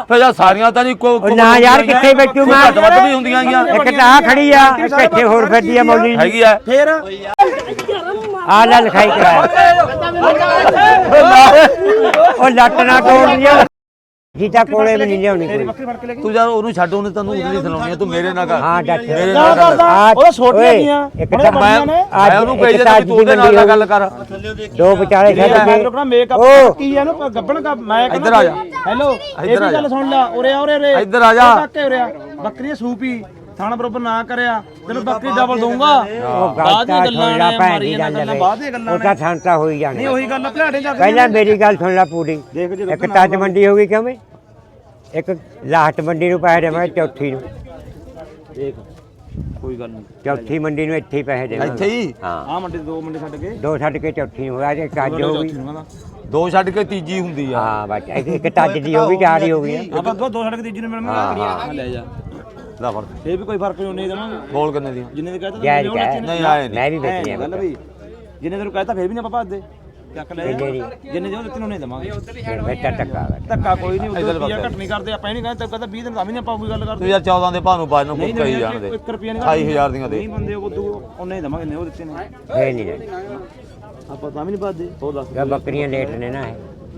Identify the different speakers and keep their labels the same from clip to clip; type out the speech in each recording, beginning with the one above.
Speaker 1: ਫਿਰ ਯਾਰ ਸਾਰੀਆਂ ਤਾਂ ਨਹੀਂ ਕੋ
Speaker 2: ਨਾ ਯਾਰ ਕਿੱਥੇ ਬੈਠੂ ਮੈਂ
Speaker 1: ਘੱਟ ਵੱਧ ਵੀ ਹੁੰਦੀਆਂ ਗੀਆਂ
Speaker 2: ਇੱਕ ਤਾਂ ਆ ਖੜੀ ਆ ਇੱਕ ਇੱਥੇ ਹੋਰ ਫਿਰਦੀ ਆ ਮੌਲੀ
Speaker 1: ਹੈਗੀ ਆ
Speaker 3: ਫੇਰ
Speaker 2: ਆ ਲੈ ਲਿਖਾਈ ਕਰਾਇਆ ਉਹ ਲੱਟ ਨਾ ਤੋੜਨੀਆਂ ਜੀਤਾ ਕੋਲੇ ਵੀ ਨਹੀਂ ਲਿਆਉਣੀ ਕੋਈ
Speaker 1: ਤੂੰ ਯਾਰ ਉਹਨੂੰ ਛੱਡ ਉਹਨੇ ਤੈਨੂੰ ਉਦਲੀ ਸੁਣਾਉਣੀ ਆ ਤੂੰ ਮੇਰੇ ਨਾਲ ਕਰ
Speaker 2: ਹਾਂ ਡੱਟ
Speaker 1: ਮੇਰੇ ਨਾਲ ਕਰ
Speaker 3: ਉਹ ਛੋਟੀਆਂ ਦੀਆਂ
Speaker 2: ਇੱਕ ਤਾਂ
Speaker 1: ਮੈਂ ਉਹਨੂੰ ਕਹੀ ਜਾਂਦਾ ਤੂੰ ਉਹਦੇ ਨਾਲ ਗੱਲ ਕਰ
Speaker 2: ਦੋ ਵਿਚਾਲੇ ਛੱਡ ਕੇ
Speaker 3: ਰੁਕਣਾ ਮੇਕਅਪ ਕੀ ਇਹਨੂੰ ਗੱਬਣ ਦਾ ਮੈਂ
Speaker 1: ਇੱਧਰ ਆ ਜਾ
Speaker 3: ਹੈਲੋ ਇਹ ਵੀ ਗੱਲ ਸੁਣ ਲੈ ਉਰੇ ਆ ਉਰੇ
Speaker 1: ਇੱਧਰ ਆ ਜਾ
Speaker 3: ਕਾਕੇ ਉਰੇ ਆ ਬੱਕਰੀ ਸੂਪੀ ਥਾਣਾ ਬਰੋਬਰ ਨਾ ਕਰਿਆ ਤੈਨੂੰ ਬੱਕਰੀ ਡਬਲ ਦਊਂਗਾ
Speaker 2: ਬਾਅਦ ਦੀਆਂ ਗੱਲਾਂ ਨੇ
Speaker 3: ਮਾਰੀਆਂ ਗੱਲਾਂ ਬਾਅਦ ਦੀਆਂ ਗੱਲਾਂ
Speaker 2: ਉਹ ਤਾਂ ਛਾਂਟਾ ਹੋਈ ਜਾਣੀ
Speaker 3: ਨਹੀਂ ਉਹੀ ਗੱਲ ਭਲਾੜੇ ਜਾ
Speaker 2: ਪਹਿਲਾਂ ਮੇਰੀ ਗੱਲ ਸੁਣ ਲੈ ਪੂਰੀ ਇੱਕ ਟੱਜ ਮੰਡੀ ਹੋ ਗਈ ਕਿਉਂ ਬਈ ਇੱਕ ਲਾਹਟ ਮੰਡੀ ਨੂੰ ਪੈਸੇ ਦੇਵਾਂਗੇ ਚੌਥੀ ਨੂੰ
Speaker 3: ਦੇਖ ਕੋਈ ਗੱਲ ਨਹੀਂ
Speaker 2: ਚੌਥੀ ਮੰਡੀ ਨੂੰ ਇੱਥੇ ਹੀ ਪੈਸੇ ਦੇਵਾਂਗੇ
Speaker 1: ਇੱਥੇ ਹੀ
Speaker 2: ਹਾਂ
Speaker 3: ਆ ਮੰਡੀ ਦੋ ਮੰਡੀ ਛੱਡ ਕੇ
Speaker 2: ਦੋ ਛੱਡ ਕੇ ਚੌਥੀ ਨੂੰ ਹੋਇਆ ਜੇ ਟੱਜ ਹੋ ਗਈ
Speaker 1: ਦੋ ਛੱਡ ਕੇ ਤੀਜੀ ਹੁੰਦੀ ਆ
Speaker 2: ਹਾਂ ਬਸ ਇੱਕ ਟੱਜ ਦੀ ਹੋ ਗਈ ਚਾਰ ਹੀ ਹੋ ਗਈ
Speaker 3: ਆਪਾਂ ਦੋ ਛੱਡ ਕੇ ਤੀਜੀ ਨੂੰ ਮਿਲਣਾ ਲੈ ਜਾ
Speaker 1: ਲੈ ਫੜ
Speaker 3: ਇਹ ਵੀ ਕੋਈ ਫਰਕ ਨਹੀਂ ਦੇਵਾਂਗੇ
Speaker 1: ਬੋਲ ਕਿੰਨੇ ਦੀਆਂ
Speaker 3: ਜਿੰਨੇ ਦੇ ਕਹਤਾ
Speaker 2: ਜਾਇਜ਼ ਕਹਿ
Speaker 1: ਨਹੀਂ ਆਏ ਨਹੀਂ
Speaker 2: ਮੈਂ ਵੀ ਵੇਚਣੀ ਆ
Speaker 3: ਗੱਲ ਬਈ ਜਿੰਨੇ ਤੈਨੂੰ ਕਹਤਾ ਫੇਰ ਵੀ ਨਾ ਆਪਾਂ ਭੱਜਦੇ ਚੱਕ ਲੈ ਜਿੰਨੇ ਦੇ ਉਹ ਦਿੱਤੇ ਨੂੰ ਨਹੀਂ ਦੇਵਾਂਗੇ
Speaker 2: ਫਿਰ ਬੇਟਾ ਟੱਕਾ
Speaker 3: ਧੱਕਾ ਕੋਈ ਨਹੀਂ ਉਦੋਂ ਰੁਪਿਆ ਘੱਟ ਨਹੀਂ ਕਰਦੇ ਆਪਾਂ ਇਹ ਨਹੀਂ ਕਹਿੰਦੇ ਕਹਿੰਦਾ 20 ਦਿਨ ਤਾਂ ਵੀ ਨਹੀਂ ਆਪਾਂ ਕੋਈ ਗੱਲ
Speaker 1: ਤੂੰ
Speaker 3: ਕਰਦੇ
Speaker 1: ਯਾਰ 14 ਦੇ ਭਾਅ ਨੂੰ ਬਾਜ ਨੂੰ ਕਹੀ ਜਾਣ ਦੇ
Speaker 3: 1 ਰੁਪਿਆ ਨਹੀਂ
Speaker 1: 28000 ਦੀਆਂ ਦੇ
Speaker 3: ਨਹੀਂ ਬੰਦੇ ਉਹ ਉਹਨੇ ਹੀ ਦੇਵਾਂਗੇ ਨੇ ਉਹ ਦਿੱਤੇ ਨੇ
Speaker 2: ਫੇਰ ਨਹੀਂ ਲੈਣੀ
Speaker 3: ਆਪਾਂ ਤਾਂ ਵੀ ਨਹੀਂ ਭੱਜਦੇ ਉਹ ਦੱਸ
Speaker 2: ਇਹ ਬੱਕਰੀਆਂ ਲੇਟ ਨੇ ਨਾ ਇਹ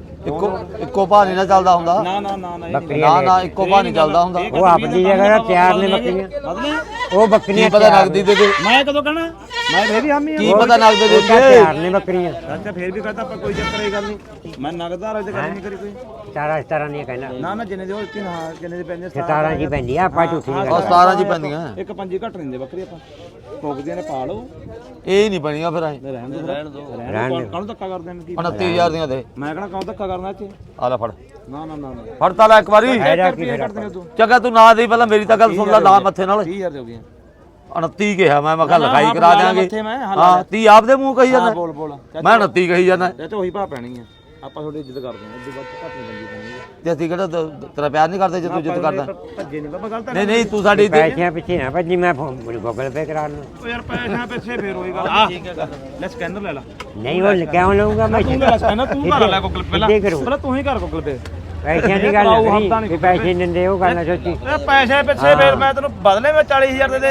Speaker 1: ਇੱਕੋ ਭਾਅ ਨਹੀਂ ਨਾ ਚੱਲਦਾ ਹੁੰਦਾ
Speaker 3: ਨਾ ਨਾ ਨਾ ਨਾ
Speaker 1: ਨਾ ਨਾ ਇੱਕੋ ਭਾਅ ਨਹੀਂ ਚੱਲਦਾ ਹੁੰਦਾ
Speaker 2: ਉਹ ਆਪਣੀ ਜਗ੍ਹਾ ਤਿਆਰ ਨੇ ਬੱਕਰੀਆਂ ਉਹ
Speaker 1: ਕੀ
Speaker 2: ਬੱਕਰੀਆਂ
Speaker 1: ਪਤਾ ਨਗਦੀ ਦੇ ਦੇ
Speaker 3: ਮੈਂ ਕਦੋਂ ਕਹਿਣਾ ਮੈਂ ਫੇਰ ਵੀ ਹਾਮੀ
Speaker 1: ਕੀ ਪਤਾ ਨਗਦ ਦੇ ਦੇ
Speaker 2: ਤਿਆਰ ਨੇ ਬੱਕਰੀਆਂ
Speaker 3: ਅੱਛਾ ਫੇਰ ਵੀ ਕਹਤਾ ਆਪਾਂ ਕੋਈ ਚੱਕਰ ਇਹ ਗੱਲ ਨਹੀਂ ਮੈਂ ਨਗਦਾਰ ਵਾਲੀ ਗੱਲ ਨਹੀਂ ਕਰੀ ਕੋਈ
Speaker 2: 17 ਨਹੀਂ ਕਹਿਣਾ
Speaker 3: ਨਾ ਨਾ ਜਿੰਨੇ ਦੇ ਉਹ ਦਿੱਤੇ ਹਾਂ ਜਿੰਨੇ ਦੇ ਪੈਂਦੇ
Speaker 2: 17 ਜੀ ਪੈਂਦੀ ਆ ਆਪਾਂ ਝੂਠੀ ਨਹੀਂ
Speaker 1: ਉਹ 17 ਜੀ ਪੈਂਦੀਆਂ
Speaker 3: ਇੱਕ ਪੰਜੀ ਘੱਟ ਦਿੰਦੇ ਬੱਕਰੀ ਆਪਾਂ ਭੋਗਦੀਆਂ ਨੇ ਪਾ ਲਓ
Speaker 1: ਇਹ ਨਹੀਂ ਬਣੀਆਂ ਫਿਰ ਐ
Speaker 3: ਰਹਿਣ ਦੋ ਕਾਹਨੂੰ ਧੱਕਾ ਕਰਦੇ ਨੇ ਕੀ
Speaker 1: 29000 ਦੀਆਂ ਦੇ
Speaker 3: ਮੈਂ ਕਹਣਾ ਕਾਹਨੂੰ ਧੱਕਾ ਕਰਨਾ ਚ
Speaker 1: ਆ ਲੈ ਫੜ
Speaker 3: ਨਾ ਨਾ ਨਾ
Speaker 1: ਫੜ ਤਾਂ ਲੈ ਇੱਕ ਵਾਰੀ
Speaker 3: ਕੱਟਦੇ ਤੂੰ
Speaker 1: ਚੱਗਾ ਤੂੰ ਨਾ ਦੇ ਪਹਿਲਾਂ ਮੇਰੀ ਤਾਂ ਗੱਲ ਸੁਣ ਲੈ ਨਾ ਮੱਥੇ ਨਾਲ
Speaker 3: 30000 ਦੇ ਹੋ ਗਈਆਂ
Speaker 1: 29 ਕਿਹਾ ਮੈਂ ਕਿਹਾ ਲਿਖਾਈ ਕਰਾ ਦਿਆਂਗੇ
Speaker 3: ਮੱਥੇ ਮੈਂ
Speaker 1: ਹਾਂ 30 ਆਪਦੇ ਮੂੰਹ ਕਹੀ ਜਾਂਦਾ
Speaker 3: ਬੋਲ ਬੋਲ
Speaker 1: ਮੈਂ 29 ਕਹੀ ਜਾਂਦਾ
Speaker 3: ਇਹ ਤੇ ਉਹੀ ਭਾ ਪੈਣੀ ਆ ਆਪਾਂ ਤੁਹਾਡੀ ਇੱਜ਼ਤ ਕਰਦੇ ਹਾਂ ਇੱਜ਼ਤ ਵੱਧ ਘੱਟ ਨਹੀਂ ਬੰਦੀ
Speaker 1: ਤੇ ਅਸੀਂ ਕਿਹੜਾ ਤੇਰਾ ਪਿਆਰ ਨਹੀਂ ਕਰਦੇ ਜੇ ਤੂੰ ਇੱਜ਼ਤ ਕਰਦਾ
Speaker 3: ਭੱਜੇ ਨਹੀਂ ਬਾਬਾ ਗਲਤ
Speaker 1: ਨਹੀਂ ਨਹੀਂ ਤੂੰ ਸਾਡੀ
Speaker 2: ਪੈਸਿਆਂ ਪਿੱਛੇ ਨਾ ਭੱਜੀ ਮੈਂ ਗੂਗਲ ਪੇ ਕਰਾ ਲੂੰ
Speaker 3: ਓ ਯਾਰ ਪੈਸਿਆਂ ਪਿੱਛੇ ਫੇਰ ਹੋਈ ਗੱਲ ਠੀਕ ਹੈ ਲੈ ਸਕੈਨਰ ਲੈ ਲਾ
Speaker 2: ਨਹੀਂ ਉਹ ਕਿਉਂ ਲਊਂਗਾ ਮੈਂ
Speaker 3: ਤੂੰ ਲੈ ਸਕੈਨਰ ਤੂੰ ਕਰ ਲੈ ਗੂਗਲ ਪੇ ਪਹਿਲਾਂ ਤੂੰ ਹੀ ਕਰ ਗੂਗਲ ਪੇ
Speaker 2: ਪੈਸਿਆਂ ਦੀ ਗੱਲ ਨਹੀਂ ਵੀ ਪੈਸੇ ਨਹੀਂ ਦਿੰਦੇ ਉਹ ਗੱਲ ਨਾ ਸੋਚੀ
Speaker 3: ਇਹ ਪੈਸੇ ਪਿੱਛੇ ਫੇਰ ਮੈਂ ਤੈਨੂੰ ਬਦਲੇ ਮੈਂ 40000 ਦੇ ਦੇ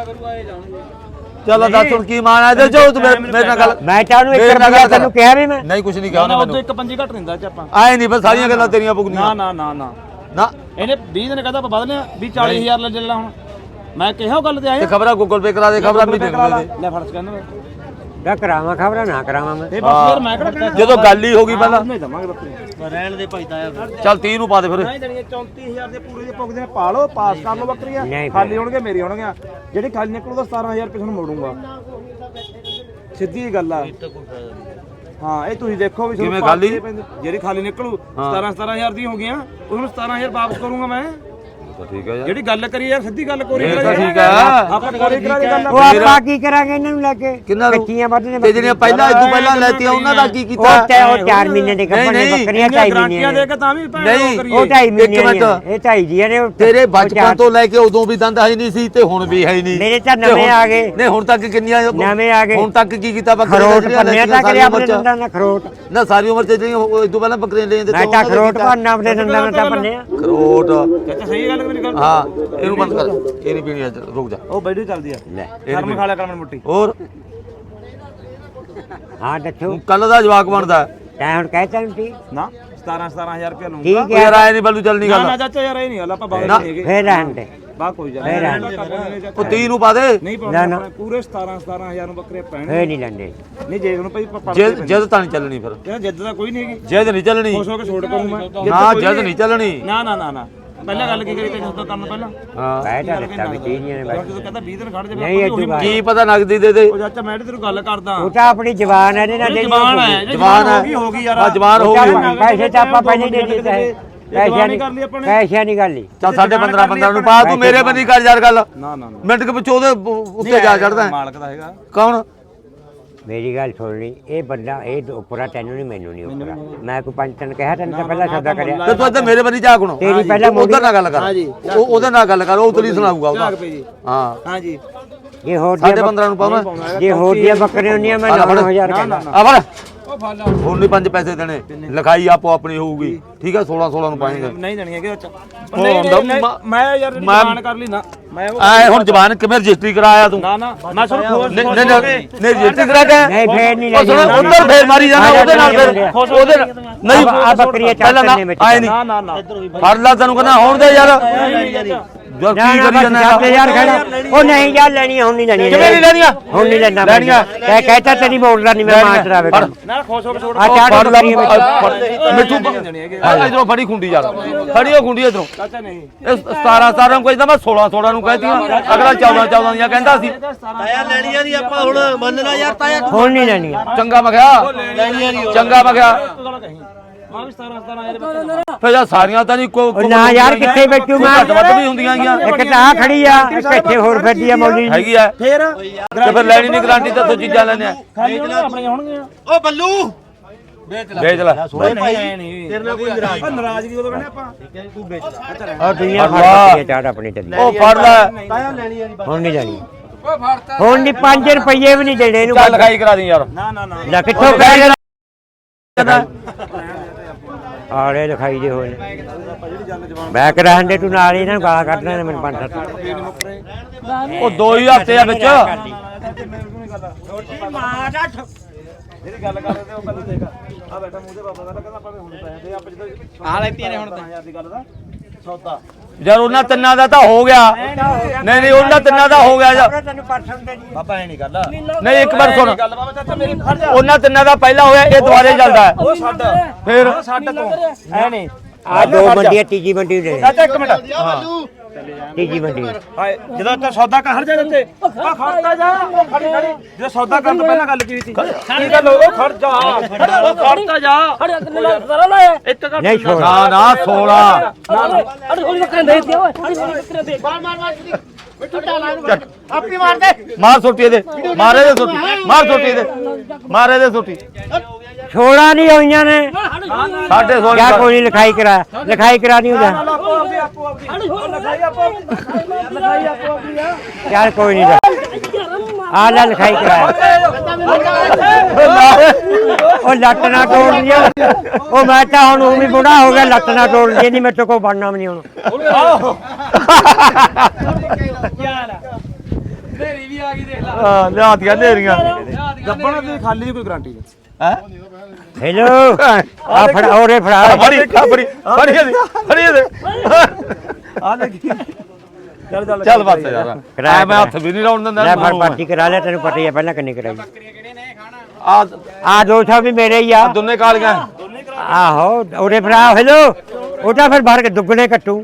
Speaker 1: ਚੱਲ ਦੱਸ ਹੁਣ ਕੀ ਮਾਨ ਆ ਦੇ ਜੋ ਤੂੰ ਮੇਰੇ ਨਾਲ ਗੱਲ
Speaker 2: ਮੈਂ ਚਾਹਨੂੰ 1 ਰੁਪਿਆ ਤੈਨੂੰ ਕਿਹਾ ਵੀ ਮੈਂ
Speaker 1: ਨਹੀਂ ਕੁਝ ਨਹੀਂ ਕਿਹਾ
Speaker 3: ਨਾ
Speaker 1: ਉਹਨੇ
Speaker 3: ਉਹ
Speaker 1: ਮੈਨੂੰ
Speaker 3: ਇੱਕ ਪੰਜੀ ਘੱਟ ਦਿੰਦਾ ਚ ਆਪਾਂ
Speaker 1: ਆਏ ਨਹੀਂ ਬਸ ਸਾਰੀਆਂ ਗੱਲਾਂ ਤੇਰੀਆਂ ਪੁੱਗਣੀਆਂ
Speaker 3: ਨਾ ਨਾ ਨਾ ਨਾ
Speaker 1: ਨਾ
Speaker 3: ਇਹਨੇ 20 ਦਿਨ ਕਹਦਾ ਆਪਾਂ ਬਦਲੇ ਵੀ 40000 ਲੈ ਲੈ ਹੁਣ ਮੈਂ ਕਿਹਾ ਉਹ ਗੱਲ ਤੇ ਆਇਆ
Speaker 1: ਤੇ ਖਬਰਾਂ ਗੂਗਲ ਪੇ ਕਰਾ ਦੇ ਖਬਰਾਂ ਵੀ ਦੇ
Speaker 3: ਲੈ ਫੜ ਸਕੈਨਰ
Speaker 2: ਦਾ ਕਰਾਵਾਂ ਖਬਰਾਂ ਨਾ ਕਰਾਵਾਂ ਮੈਂ
Speaker 3: ਇਹ ਬਸ ਫਿਰ ਮੈਂ ਕਿਹੜਾ
Speaker 1: ਜਦੋਂ ਗੱਲ ਹੀ ਹੋ ਗਈ ਪਹਿਲਾਂ
Speaker 3: ਨਹੀਂ ਦਵਾਂਗੇ ਬੱਕਰੀ ਰਹਿਣ ਦੇ ਭਾਈ ਤਾਇਆ
Speaker 1: ਚੱਲ 30 ਨੂੰ ਪਾ ਦੇ ਫਿਰ
Speaker 3: ਨਹੀਂ ਦੇਣੀਆਂ 34000 ਦੇ ਪੂਰੇ ਦੇ ਪੁੱਗਦੇ ਨੇ ਪਾ ਲਓ ਪਾਸ ਕਰ ਲਓ ਬੱਕਰੀਆਂ
Speaker 2: ਨਹੀਂ
Speaker 3: ਖਾਲੀ ਹੋਣਗੇ ਮੇਰੀ ਹੋਣਗੀਆਂ ਜਿਹੜੀ ਖਾਲੀ ਨਿਕਲੂ ਤਾਂ 17000 ਰੁਪਏ ਤੁਹਾਨੂੰ ਮੋੜੂੰਗਾ ਸਿੱਧੀ ਗੱਲ ਆ ਹਾਂ ਇਹ ਤੁਸੀਂ ਦੇਖੋ ਵੀ
Speaker 1: ਕਿਵੇਂ ਖਾਲੀ?
Speaker 3: ਜਿਹੜੀ ਖਾਲੀ ਨਿਕਲੂ 17000 ਦੀ ਹੋ ਗਈਆਂ ਉਹਨੂੰ 17000 ਵਾਪਸ ਕਰੂੰਗਾ ਮੈਂ
Speaker 1: ਠੀਕ ਹੈ ਯਾਰ
Speaker 3: ਜਿਹੜੀ ਗੱਲ ਕਰੀ ਯਾਰ ਸਿੱਧੀ ਗੱਲ ਕੋਰੀ
Speaker 1: ਇਹ ਤਾਂ ਠੀਕ ਆ
Speaker 3: ਆਪਾਂ ਕੋਰੀ ਕਰਾ ਦੀ ਗੱਲ
Speaker 2: ਉਹ ਆਪਾਂ ਕੀ ਕਰਾਂਗੇ ਇਹਨਾਂ ਨੂੰ ਲੈ ਕੇ
Speaker 1: ਕਿੰਨਾ ਨੂੰ?
Speaker 2: ਕੱਚੀਆਂ ਵੱਢਣੇ
Speaker 1: ਤੇ ਜਿਹੜੀਆਂ ਪਹਿਲਾਂ ਇਦੋਂ ਪਹਿਲਾਂ ਲੈਤੀਆਂ ਉਹਨਾਂ ਦਾ ਕੀ ਕੀਤਾ
Speaker 2: ਉਹ 4 ਮਹੀਨੇ ਦੇ ਕੱਪੜੇ ਬੱਕਰੀਆਂ 2.5
Speaker 3: ਗਾਰੰਟੀਆਂ ਦੇ ਕੇ ਤਾਂ ਵੀ
Speaker 1: ਨਹੀਂ,
Speaker 3: ਕਰੀਏ
Speaker 2: ਉਹ 2.5 ਮਹੀਨੇ
Speaker 1: ਇੱਕ ਮਿੰਟ।
Speaker 2: ਇਹ 2.5 ਦੀਆਂ ਨੇ
Speaker 1: ਤੇਰੇ ਬਚਪਨ ਤੋਂ ਲੈ ਕੇ ਉਦੋਂ ਵੀ ਦੰਦ ਹੈ ਨਹੀਂ ਸੀ ਤੇ ਹੁਣ ਵੀ ਹੈ ਨਹੀਂ
Speaker 2: ਮੇਰੇ ਤਾਂ ਨਵੇਂ ਆ ਗਏ
Speaker 1: ਨਹੀਂ ਹੁਣ ਤੱਕ ਕਿੰਨੀਆਂ
Speaker 2: ਨਵੇਂ ਆ ਗਏ
Speaker 1: ਹੁਣ ਤੱਕ ਕੀ ਕੀਤਾ ਬੱਕਰੀਆਂ
Speaker 2: ਖਰੋਟ ਪੰਨਿਆ ਤਾਂ ਕਰਿਆ ਆਪਣੇ ਦੰਦਾਂ ਨਾਲ ਖਰੋਟ
Speaker 1: ਨਾ ਸਾਰੀ ਉਮਰ ਤੇ ਜਿਹੜੀਆਂ ਇਦੋਂ ਪਹਿਲਾਂ ਬੱਕਰੀਆਂ ਲੈਂਦੇ
Speaker 2: ਮੈਂ ਤਾਂ ਖਰੋਟ ਭੰਨਾ ਆਪਣੇ ਦੰਦਾਂ ਨਾਲ ਤਾਂ ਪੰਨਿਆ
Speaker 1: ਖਰੋਟ
Speaker 3: ਚਾਚਾ ਸਹੀ ਗੱਲ ਮੇਰੀ ਗੱਲ
Speaker 1: ਹਾਂ ਇਹਨੂੰ ਬੰਦ ਕਰ ਇਹ ਨਹੀਂ ਪੀਣੀ ਅੱਜ ਰੁਕ ਜਾ
Speaker 3: ਉਹ ਬੈਠੀ ਚੱਲਦੀ ਆ
Speaker 2: ਲੈ
Speaker 3: ਸ਼ਰਮ ਖਾ ਲਿਆ ਕਰ ਮੈਨੂੰ ਮੁੱਟੀ
Speaker 1: ਹੋਰ
Speaker 2: ਹਾਂ ਦੱਸੋ
Speaker 1: ਕੱਲ ਦਾ ਜਵਾਕ ਬਣਦਾ
Speaker 2: ਤੈਂ ਹੁਣ ਕਹਿ ਤੈਨੂੰ ਠੀਕ
Speaker 3: ਨਾ 17000 ਰੁਪਏ ਲਊਂਗਾ
Speaker 2: ਠੀਕ
Speaker 1: ਯਾਰ ਆਏ ਨਹੀਂ ਬੱਲੂ ਚੱਲਣੀ
Speaker 3: ਨਾ
Speaker 1: ਗੱਲ
Speaker 3: ਨਾ ਚਾਚਾ ਯਾਰ ਇਹ ਨਹੀਂ ਗੱਲ ਆਪਾਂ ਬਾਹਰ
Speaker 1: ਨਾ।
Speaker 3: ਨਹੀਂ ਹੈਗੇ
Speaker 2: ਫੇਰ ਰਹਿਣ ਦੇ
Speaker 3: ਬਾ ਕੋਈ ਜਾ
Speaker 1: ਉਹ 30 ਨੂੰ ਪਾ ਦੇ
Speaker 3: ਨਹੀਂ
Speaker 2: ਨਾ,
Speaker 3: ਪਾਉਣਾ
Speaker 2: ਨਾ।
Speaker 3: ਆਪਣੇ ਪੂਰੇ 17000 ਨੂੰ ਬੱਕਰੇ ਪੈਣੇ
Speaker 2: ਫੇਰ ਨਹੀਂ ਲੈਂਦੇ
Speaker 3: ਨਹੀਂ ਜੇ ਉਹਨੂੰ ਭਾਈ ਪੜ
Speaker 1: ਜਦ ਤਾਂ ਨਹੀਂ ਚੱਲਣੀ ਫਿਰ
Speaker 3: ਯਾਰ ਜਿੱਦ ਤਾਂ ਕੋਈ ਨਹੀਂ ਹੈਗੀ
Speaker 1: ਜਦ ਨਹੀਂ ਚੱਲਣੀ
Speaker 3: ਖੁਸ਼ ਹੋ ਕੇ ਛੋੜ ਕਰੂੰ ਮੈਂ
Speaker 1: ਨਾ ਜਦ ਨਹੀਂ ਚੱਲਣੀ
Speaker 3: ਨਾ ਨਾ ਨਾ ਨਾ ਪਹਿਲਾਂ ਗੱਲ ਕੀ ਕਰੀ ਤੇ ਜਦੋਂ ਕਰਨ ਪਹਿਲਾਂ
Speaker 1: ਹਾਂ
Speaker 2: ਕਹਿ ਤਾਂ ਦਿੱਤਾ ਵੀ ਚੀਜ਼ੀਆਂ ਨੇ
Speaker 3: ਜਦੋਂ
Speaker 2: ਬਸ
Speaker 3: ਕਹਿੰਦਾ 20 ਦਿਨ ਖੜ
Speaker 2: ਨਹੀਂ
Speaker 3: ਜਾਵੇ
Speaker 2: ਇਹ
Speaker 1: ਕੀ ਪਤਾ ਨਗਦੀ ਦੇ ਦੇ
Speaker 3: ਉਹ ਚਾਚਾ ਮੈਂ ਤੈਨੂੰ ਗੱਲ ਕਰਦਾ
Speaker 2: ਉਹ ਤਾਂ ਆਪਣੀ ਜ਼ਬਾਨ ਹੈ ਇਹਦੇ ਨਾਲ ਜਿਹੜੀ
Speaker 3: ਜਵਾਨ ਹੈ
Speaker 1: ਜਵਾਨ ਹੈ
Speaker 3: ਹੋ ਗਈ ਯਾਰ
Speaker 1: ਆ ਜਵਾਨ ਹੋ ਗਈ
Speaker 2: ਪੈਸੇ ਤਾਂ ਆਪਾਂ ਪਹਿਲੇ ਦੇ ਦਿੱਤੇ ਪੈਸਿਆਂ
Speaker 3: ਨਹੀਂ ਕਰ ਲਈ ਆਪਾਂ ਨੇ
Speaker 2: ਪੈਸਿਆਂ ਦੀ ਗੱਲ ਹੀ
Speaker 1: ਚੱਲ 15.5 ਨੂੰ ਪਾ ਤੂੰ ਮੇਰੇ ਬੰਦੀ ਕਰ ਯਾਰ ਗੱਲ
Speaker 3: ਨਾ ਨਾ
Speaker 1: ਮਿੰਟ ਕੇ ਪਿੱਛੋਂ ਉਹਦੇ ਉੱਤੇ ਜਾ ਚੜਦਾ
Speaker 3: ਮਾਲਕ ਦਾ ਹੈਗਾ
Speaker 1: ਕੌਣ
Speaker 2: ਮੇਰੀ ਗੱਲ ਸੁਣ ਲਈ ਇਹ ਬੰਦਾ ਇਹ ਉੱਪਰਾ ਤੈਨੂੰ ਨਹੀਂ ਮੈਨੂੰ ਨਹੀਂ ਉੱਪਰਾ ਮੈਂ ਕੋਈ ਪੰਜ ਤਨ ਕਿਹਾ ਤੈਨੂੰ ਤਾਂ ਪਹਿਲਾਂ ਸੌਦਾ ਕਰਿਆ
Speaker 1: ਤੇ ਤੂੰ ਇੱਧਰ ਮੇਰੇ ਬੰਦੀ ਜਾ ਕੋਣ
Speaker 2: ਤੇਰੀ ਪਹਿਲਾਂ
Speaker 1: ਉਧਰ ਨਾਲ ਗੱਲ ਕਰ ਉਹ ਉਹਦੇ ਨਾਲ ਗੱਲ ਕਰ ਉਹ ਉਤਲੀ ਸੁਣਾਊਗਾ ਉਹਦਾ ਹਾਂ
Speaker 3: ਹਾਂ ਜੀ
Speaker 2: ਇਹ ਹੋਰ
Speaker 1: 15.5 ਨੂੰ ਪਾਵਾਂ
Speaker 2: ਜੇ ਹੋਰ ਦੀਆਂ ਬੱਕਰੀਆਂ ਹੁੰਦੀਆਂ ਮੈਂ 9000 ਕਹਿੰਦਾ
Speaker 1: ਆ ਫੜ ਹੁਣ ਨਹੀਂ 5 ਪੈਸੇ ਦੇਣੇ, ਲਿਖਾਈ ਆਪੋ ਆਪਣੀ ਹੋਊਗੀ ਠੀਕ ਹੈ। 16 ਨੂੰ ਪਾਏਗੇ,
Speaker 3: ਨਹੀਂ ਦੇਣੀ ਹੈਗੇ ਅੱਛਾ
Speaker 1: ਹੁੰਦਾ
Speaker 3: ਮੈਂ ਯਾਰ ਜ਼ਬਾਨ ਕਰ ਲਈ ਨਾ ਮੈਂ
Speaker 1: ਐ ਹੁਣ ਜ਼ਬਾਨ ਕਿਵੇਂ ਰਜਿਸਟਰੀ ਕਰਾਇਆ ਤੂੰ?
Speaker 3: ਨਾ ਮੈਂ ਸੁਣ
Speaker 1: ਨਹੀਂ ਰਜਿਸਟਰੀ ਕਰਾ ਕੇ
Speaker 2: ਨਹੀਂ ਫੇਰ ਨਹੀਂ
Speaker 1: ਉਧਰ ਫੇਰ ਮਾਰੀ ਜਾਣਾ ਉਹਦੇ ਨਾਲ, ਫਿਰ ਉਹਦੇ ਨਹੀਂ
Speaker 2: ਆ ਬੱਕਰੀਆਂ ਚਾਚੇ ਵਿੱਚ
Speaker 1: ਆਏ ਨਹੀਂ
Speaker 3: ਨਾ
Speaker 1: ਫੜ ਲਾ ਤੈਨੂੰ ਕਹਿੰਦਾ ਹੋਣ ਦੇ ਯਾਰ ਜੋ ਕੀ ਕਰੀ ਜਾਂਦਾ
Speaker 2: ਯਾਰ ਖੜਾ ਉਹ ਨਹੀਂ ਯਾਰ ਲੈਣੀ ਹੁਣ ਨਹੀਂ ਲੈਣੀ,
Speaker 1: ਕਿਵੇਂ ਨਹੀਂ ਲੈਣੀਆਂ?
Speaker 2: ਹੁਣ ਨਹੀਂ ਲੈਣਾ
Speaker 1: ਲੈਣੀਆਂ
Speaker 2: ਕਹਿ ਕਹਿਤਾ ਤੇਰੀ ਮੋੜਦਾ ਨਹੀਂ ਮੈਂ ਮਾਰ ਡਰਾਵੇ
Speaker 3: ਨਾ ਖੁਸ਼ ਹੋ ਕੇ ਛੋੜ
Speaker 2: ਆ ਚਾਰ
Speaker 1: ਫੜ ਲਾ
Speaker 2: ਬੱਕਰੀਆਂ
Speaker 1: ਮਿੱਠੂ ਇਧਰੋਂ ਫੜੀ ਖੁੰਡੀ ਯਾਰ, ਫੜੀ ਉਹ ਖੁੰਡੀ ਇਧਰੋਂ।
Speaker 3: ਚਾਚਾ ਨਹੀਂ
Speaker 1: ਇਹ 17 ਨੂੰ ਕਹਿੰਦਾ ਮੈਂ 16 ਨੂੰ ਕਹਿਤੀਆਂ, ਅਗਲਾ 14 ਦੀਆਂ ਕਹਿੰਦਾ ਸੀ।
Speaker 4: ਤਾਇਆ ਲੈਣੀਆਂ ਨਹੀਂ ਆਪਾਂ ਹੁਣ ਮੰਨਣਾ ਯਾਰ ਤਾਇਆ
Speaker 2: ਹੁਣ ਨਹੀਂ ਲੈਣੀਆਂ
Speaker 1: ਚੰਗਾ ਮੈਂ ਕਿਹਾ, ਚੰਗਾ ਮੈਂ ਕਿਹਾ
Speaker 3: ਮੈਂ ਵੀ 17
Speaker 1: ਫਿਰ ਯਾਰ ਸਾਰੀਆਂ ਤਾਂ ਨਹੀਂ ਕੋਈ
Speaker 2: ਨਾ ਯਾਰ ਕਿੱਥੇ ਬੈਠੂ ਮੈਂ,
Speaker 1: ਘੱਟ ਵੱਧ ਵੀ ਹੁੰਦੀਆਂ ਗੀਆਂ,
Speaker 2: ਇੱਕ ਤਾਂ ਆ ਖੜੀ ਆ ਇੱਕ ਇੱਥੇ ਹੋਰ ਫਿਰਦੀ ਆ ਮੌਲੀ
Speaker 1: ਹੈਗੀ ਆ
Speaker 3: ਫੇਰ
Speaker 1: ਤੇ ਫਿਰ ਲੈਣੀ ਨਹੀਂ ਗਾਰੰਟੀ ਤਾਂ ਤੂੰ ਚੀਜ਼ਾਂ ਲੈਣੇ ਆ।
Speaker 3: ਖਾਲੀ ਆਪਣੀਆਂ ਹੋਣਗੀਆਂ
Speaker 4: ਓ ਬੱਲੂ
Speaker 1: ਵੇਚ ਲੈ
Speaker 3: ਨਹੀਂ
Speaker 4: ਤੇਰੇ ਨਾਲ ਕੋਈ
Speaker 3: ਨਾਰਾਜ਼ਗੀ ਉਦੋਂ ਕਹਿੰਦੇ ਆਪਾਂ
Speaker 4: ਤੂੰ ਵੇਚ ਲੈ
Speaker 2: ਆ ਦੁਨੀਆ ਫੜ ਬੱਕਰੀਆਂ ਚਾੜ ਆਪਣੀ ਚੱਲੀ
Speaker 1: ਉਹ ਫੜ ਲੈ
Speaker 4: ਤਾਇਆ ਲੈਣੀਆਂ ਨਹੀਂ
Speaker 2: ਹੁਣ ਨਹੀਂ ਲੈਣੀ, ਹੁਣ ਨਹੀਂ 5 ਰੁਪਏ ਵੀ ਨਹੀਂ ਦੇਣੇ ਇਹਨੂੰ,
Speaker 1: ਚੱਲ ਲਿਖਾਈ ਕਰਾ ਦੀ ਯਾਰ।
Speaker 3: ਨਾ
Speaker 2: ਲੈ ਕਿੱਥੋਂ ਕਹਿ ਰਿਹਾ ਆੜੇ ਲਿਖਾਈ ਦੇ ਹੋਏ ਮੈਂ ਕਰਾਂਦੇ ਤੂੰ ਨਾਲ ਇਹਨਾਂ ਨੂੰ ਗਾਲਾਂ ਕੱਢਣਾ ਨੇ ਮੈਨੂੰ 5-7
Speaker 1: ਉਹ 2 ਹੀ ਹਫ਼ਤੇ ਆ ਵਿੱਚ
Speaker 3: ਜਿਹੜੀ ਗੱਲ ਕਰਦੇ ਤੇ ਉਹ ਗੱਲ ਦੇਖ ਆ ਬੈਠਾ ਮੂੰਹ ਦੇ ਬਾਬਾ ਦਾ ਕਹਿੰਦਾ ਆਪਾਂ ਹੁਣ ਪੈਸੇ ਦੇ ਆਪਾਂ ਜਦੋਂ
Speaker 4: ਆ ਲੈਤੀਆਂ ਨੇ ਹੁਣ ਤਾਂ
Speaker 3: 1000 ਦੀ ਗੱਲ ਦਾ ਸੌਦਾ
Speaker 1: ਯਾਰ ਉਹਨਾਂ ਤਿੰਨਾਂ ਦਾ ਤਾਂ ਹੋ ਗਿਆ, ਨਹੀਂ ਉਹਨਾਂ ਤਿੰਨਾਂ ਦਾ ਹੋ ਗਿਆ ਯਾਰ।
Speaker 2: ਤੈਨੂੰ ਪਰਸੋਂ ਦੇ ਦੀ
Speaker 3: ਬਾਬਾ ਐ ਨਹੀਂ ਗੱਲ
Speaker 1: ਨਹੀਂ ਇੱਕ ਵਾਰ ਸੁਣ,
Speaker 3: ਗੱਲ ਬਾਬਾ ਚਾਚਾ ਮੇਰੀ ਫੜ ਜਾ
Speaker 1: ਉਹਨਾਂ ਤਿੰਨਾਂ ਦਾ ਪਹਿਲਾਂ ਹੋਇਆ, ਇਹ ਦੁਬਾਰੇ ਚੱਲਦਾ ਹੈ।
Speaker 3: ਉਹ ਛੱਡ
Speaker 1: ਫਿਰ
Speaker 3: ਛੱਡ ਤੂੰ ਐ ਨਹੀਂ
Speaker 2: ਆ ਦੋ ਮੰਡੀਆਂ ਤੀਜੀ ਮੰਡੀ ਦੇ
Speaker 3: ਚਾਚਾ ਇੱਕ ਮਿੰਟ
Speaker 2: ਤੀਜੀ ਮੰਡੀ
Speaker 3: ਹਾਏ ਜਦੋਂ ਤੂੰ ਸੌਦਾ ਕਰ ਜਾ ਦਿੱਤੇ ਆ ਖੜਤਾ ਜਾ ਖੜੀ ਜਦੋਂ ਸੌਦਾ ਕਰਨ ਤੋਂ ਪਹਿਲਾਂ ਗੱਲ ਕੀ ਸੀ ਕੀ ਗੱਲ ਉਹ ਖੜ ਜਾ ਉਹ ਖੜਤਾ ਜਾ ਇੱਕ ਗੱਲ
Speaker 2: ਨਹੀਂ ਛੋੜ
Speaker 1: ਨਾ 16
Speaker 4: ਆਪੀ ਮਾਰ ਦੇ
Speaker 1: ਮਾਰ ਸੋਟੀ ਇਹਦੇ, ਮਾਰੇ ਦੇ ਸੋਟੀ, ਮਾਰ ਸੋਟੀ ਇਹਦੇ, ਮਾਰੇ ਦੇ ਸੋਟੀ।
Speaker 2: ਛੋੜਾ ਨਹੀਂ ਹੋਈਆਂ ਨੇ
Speaker 1: 16.5
Speaker 2: ਕਿਆ ਕੋਈ ਨਹੀਂ ਲਿਖਾਈ ਕਰਾ ਨਹੀਂ ਉਹਦਾ ਯਾਰ ਕੋਈ ਨਹੀਂ ਆ ਲੈ ਲਿਖਾਈ ਕਰਾ ਉਹ ਲੱਟ ਨਾ ਤੋੜ ਲਿਆ ਉਹ ਮੈਂ ਤਾਂ ਹੁਣ ਉਹ ਵੀ ਬੁੜਾ ਹੋ ਗਿਆ ਲੱਟ ਨਾ ਤੋੜ ਲਈ ਨਹੀਂ ਮੇਰੇ ਤੋਂ ਕੋਈ ਬਣਨਾ ਵੀ ਨਹੀਂ ਹੁਣ
Speaker 1: ਹਾਂ ਲਿਆਤੀਆਂ ਨੇਰੀਆਂ
Speaker 3: ਗੱਬਣਾ ਦੀ ਖਾਲੀ ਦੀ ਕੋਈ ਗਾਰੰਟੀ
Speaker 1: ਹੈ।
Speaker 2: ਹੈਲੋ ਆ ਫੜਾ ਔਰੇ ਫੜਾ
Speaker 1: ਫੜੀ ਫੜੀ ਫੜੀ ਇਹਦੇ
Speaker 3: ਆ ਲੈ
Speaker 1: ਚੱਲ ਬਸ ਯਾਰ ਐ ਮੈਂ ਹੱਥ ਵੀ ਨਹੀਂ ਲਾਉਣ ਦਿੰਦਾ।
Speaker 2: ਲੈ ਫੜ ਪਾਰਟੀ ਕਰਾ ਲਿਆ ਤੈਨੂੰ ਪਤਾ ਹੀ ਆ ਪਹਿਲਾਂ ਕਿੰਨੀ ਕਰਾਈ
Speaker 1: ਆ
Speaker 2: ਆ 200 ਵੀ ਮੇਰੇ ਹੀ ਆ
Speaker 1: ਦੋਨੇ ਕਾਲੀਆਂ
Speaker 2: ਆਹੋ ਉਹਦੇ ਭਰਾ ਹੈਲੋ ਉਹ ਤਾਂ ਫਿਰ ਭਰ ਕੇ ਦੁੱਗਣੇ ਕੱਟੂ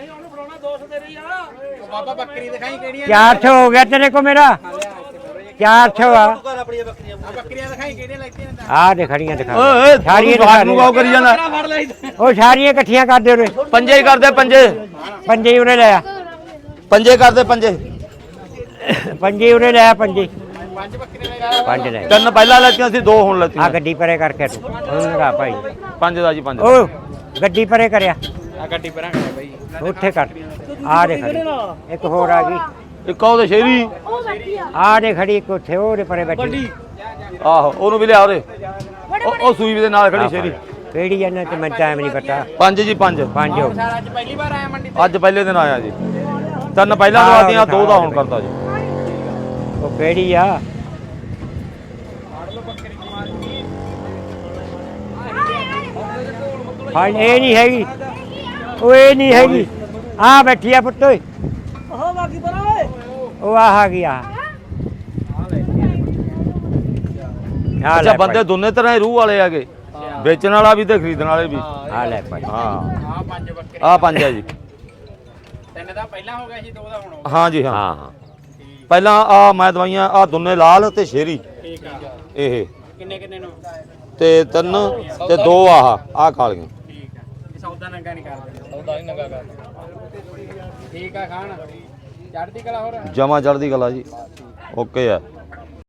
Speaker 4: ਬਾਬਾ ਬੱਕਰੀ ਦਿਖਾਈ ਕਿਹੜੀਆਂ
Speaker 2: 400 ਹੋ ਗਿਆ ਤੇਰੇ ਕੋ ਮੇਰਾ 400 ਆ
Speaker 4: ਕਰ ਆਪਣੀਆਂ ਬੱਕਰੀਆਂ ਦਿਖਾਈ ਕਿਹੜੀਆਂ ਲੈਤੀਆਂ ਨੇ
Speaker 2: ਆ ਦੇ ਖੜੀਆਂ ਦਿਖਾ
Speaker 1: ਓਏ
Speaker 2: ਸਾਰੀਆਂ
Speaker 1: ਸਾਰੀਆਂ ਨੂੰ ਕਾਉ ਕਰੀ ਜਾਂਦਾ।
Speaker 4: ਫੜ ਲਈ
Speaker 2: ਉਹ ਸਾਰੀਆਂ ਇਕੱਠੀਆਂ ਕਰ ਦੇ ਉਰੇ
Speaker 1: ਪੰਜੇ ਹੀ ਕਰਦੇ ਪੰਜੇ,
Speaker 2: ਪੰਜੇ ਹੀ ਉਰੇ ਲਿਆ
Speaker 1: ਪੰਜੇ ਕਰਦੇ ਪੰਜੇ।
Speaker 2: ਪੰਜੇ ਹੀ ਉਰੇ ਲਿਆ ਪੰਜੇ ਪੰਜ ਲੈ
Speaker 1: ਤਿੰਨ ਪਹਿਲਾਂ ਲੈਤੀਆਂ ਸੀ, 2 ਹੁਣ
Speaker 2: ਆ
Speaker 1: ਲੈਤੀਆਂ।
Speaker 2: ਗੱਡੀ ਪਰੇ ਕਰਕੇ ਤੂੰ ਉਹਨੂੰ ਲਗਾ ਭਾਈ
Speaker 1: ਪੰਜ ਦਾ ਜੀ ਪੰਜ।
Speaker 2: ਓ ਗੱਡੀ ਪਰੇ ਕਰਿਆ
Speaker 4: ਆ ਗੱਡੀ ਪਰਾਂ ਕਰਿਆ ਬਾਈ
Speaker 2: ਉੱਥੇ ਕਰ ਆ ਦੇ ਖੜੀ ਇੱਕ ਹੋਰ ਆ ਗਈ
Speaker 1: ਇੱਕ ਉਹਦੇ ਸ਼ੇਰੀ,
Speaker 2: ਆ ਦੇ ਖੜੀ ਇੱਕ ਉੱਥੇ ਉਹਦੇ ਪਰੇ ਬੈਠੀ
Speaker 1: ਆਹੋ ਉਹਨੂੰ ਵੀ ਲਿਆ ਉਹਦੇ ਉਹ ਸੂਈ ਦੇ ਨਾਲ ਖੜੀ ਸ਼ੇਰੀ।
Speaker 2: ਕਿਹੜੀ ਇਹਨਾਂ ਤੇ ਮੈਨੂੰ ਟਾਈਮ ਨਹੀਂ ਪਤਾ
Speaker 1: ਪੰਜ ਜੀ ਪੰਜ।
Speaker 2: ਪੰਜ ਹੋ ਗਏ।
Speaker 4: ਅੱਜ ਪਹਿਲੀ ਵਾਰ ਆਇਆ ਮੰਡੀ
Speaker 1: ਅੱਜ ਪਹਿਲੇ ਦਿਨ ਆਇਆ ਜੀ, ਤਿੰਨ ਪਹਿਲਾਂ ਦਵਾਤੀਆਂ, 2 ਦਾ ਹੁਣ ਕਰਦਾ ਜੀ।
Speaker 2: ਉਹ ਕਿਹੜੀ ਆ ਹਾਂ ਇਹ ਨਹੀਂ ਹੈਗੀ ਉਹ ਇਹ ਨਹੀਂ ਹੈਗੀ ਆ ਬੈਠੀ ਆ ਪੁੱਤ ਓਏ ਉਹ ਆ ਗਈ ਆ
Speaker 1: ਅੱਛਾ ਬੰਦੇ ਦੋਨੇ ਤਰ੍ਹਾਂ ਹੀ ਰੂਹ ਵਾਲੇ ਹੈਗੇ, ਵੇਚਣ ਵਾਲਾ ਵੀ ਤੇ ਖਰੀਦਣ ਵਾਲੇ ਵੀ।
Speaker 2: ਆ ਲੈ ਭਾਈ
Speaker 1: ਹਾਂ
Speaker 4: ਆ ਪੰਜ ਬੱਕਰੀ
Speaker 1: ਆ ਪੰਜ ਹੈ ਜੀ।
Speaker 4: ਤਿੰਨ ਦਾ ਪਹਿਲਾਂ ਹੋ ਗਿਆ ਸੀ 2 ਦਾ ਹੁਣ
Speaker 1: ਹਾਂ ਜੀ ਹਾਂ,
Speaker 2: ਹਾਂ ਹਾਂ
Speaker 1: ਪਹਿਲਾਂ ਆ ਮੈਂ ਦਵਾਈਆਂ ਆ ਦੋਨੇ ਲਾਲ ਤੇ ਸ਼ੇਰੀ
Speaker 4: ਠੀਕ ਆ
Speaker 1: ਇਹ
Speaker 4: ਕਿੰਨੇ ਨੂੰ
Speaker 1: ਤੇ 3 ਤੇ 2 ਆ ਕਾਲੀਆਂ।
Speaker 4: ਠੀਕ ਆ ਇਹ ਸੌਦਾ ਨੰਗਾ ਨਹੀਂ ਕਰਦੇ ਸੌਦਾ ਹੀ ਨੰਗਾ ਕਰਦੇ ਠੀਕ ਆ ਖਾਣ ਚੜ੍ਹਦੀ ਕਲਾ ਹੋਰ
Speaker 1: ਜਮਾ ਚੜ੍ਹਦੀ ਕਲਾ ਜੀ, ਓਕੇ ਆ।